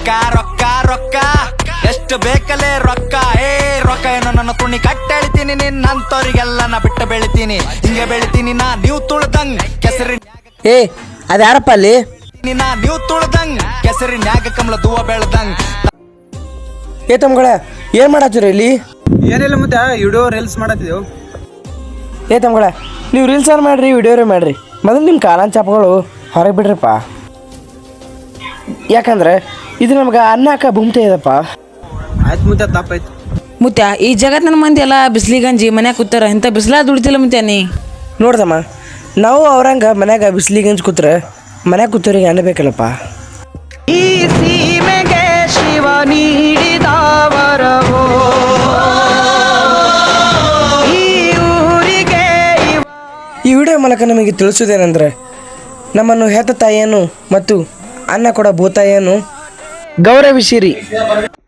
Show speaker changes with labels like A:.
A: ರೊಕ್ಕ ರೊಕ್ಕ ರೊಕ್ಕ ಎಷ್ಟು ಬೇಕಲೇ ರೊಕ್ಕ ರೊಕ್ಕ ಏನೋ ನನ್ನ ತುಣಿ ಕಟ್ಟೆಳಿತೀನಿ ನಿನ್ನಂತವ್ರಿಗೆಲ್ಲ ನಾ ಬಿಟ್ಟು ಬೆಳಿತೀನಿ ಹಿಂಗೆ ಬೆಳಿತೀನಿ ನಾ ನೀವು ತುಳ್ದಂಗ್ ಕೆಸರಿ
B: ಅದ್ಯಾರಪ್ಪ ಅಲ್ಲಿ
A: ನೀವು ತುಳ್ದಂಗ್ ಕೆಸರಿನ್ಯಾಗ ಕಮಲ ದೂವ ಬೆಳ್ದಂಗ್.
B: ತಮ್ಗಳ ಏನ್ ಮಾಡತ್ತೀರಿ ಇಲ್ಲಿ?
C: ಏನಿಲ್ಲ ಮತ್ತೆ ವಿಡಿಯೋ ರೀಲ್ಸ್ ಮಾಡತ್ತಿದ್ದೆವು.
B: ತಮ್ಗಳ ನೀವು ರೀಲ್ಸ್ ಮಾಡ್ರಿ ವಿಡಿಯೋರೇ ಮಾಡ್ರಿ, ಮೊದಲು ನಿಮ್ಮ ಕಾಲನ್ ಚಾಪಗಳು ಹೊರಗೆ ಬಿಡ್ರಪ್ಪ. ಯಾಕಂದ್ರೆ ಇದು ನಮ್ಗೆ ಅನ್ನಕ ಭೂಮಿತೆ ಇದಪ್ಪ.
C: ಆಯ್ತು ಮುತ್ಯ, ತಪ್ಪಾಯ್ತು
D: ಮುತ್ಯ. ಈ ಜಗತ್ತಿನ ಮಂದಿ ಎಲ್ಲ ಬಿಸಿಲಿಗಂಜಿ ಮನ್ಯಾಗ ಕೂತಾರ, ಇಂಥ ಬಿಸಿಲ ದುಡಿತಿಲ್ಲ ಮುತ್ಯ ನೀ.
B: ನೋಡ್ದಮ್ಮ, ನಾವು ಅವ್ರಂಗ ಮನ್ಯಾಗ ಬಿಸಿಲಿಗಂಜ್ ಕೂತ್ರೆ ಮನ್ಯಾಗ ಕೂತವ್ರಿಗೆ ಅನ್ನ ಬೇಕಲ್ಲಪ್ಪ.
E: ಈ ಸೀಮೆಗೆ ಶಿವ ನೀಡಿದ ವರವೋ, ಈ ಊರಿಗೆ
B: ಈ ವಿಡಿಯೋ ಮೂಲಕ ನಮಗೆ ತಿಳಿಸೋದೇನೆಂದ್ರೆ, ನಮ್ಮನ್ನು ಹೆತ್ತ ತಾಯಿಯನ್ನು ಮತ್ತು ಅನ್ನ ಕೊಡ ಭೂತಾಯಿಯನ್ನು ಗೌರವಿಸಿರಿ.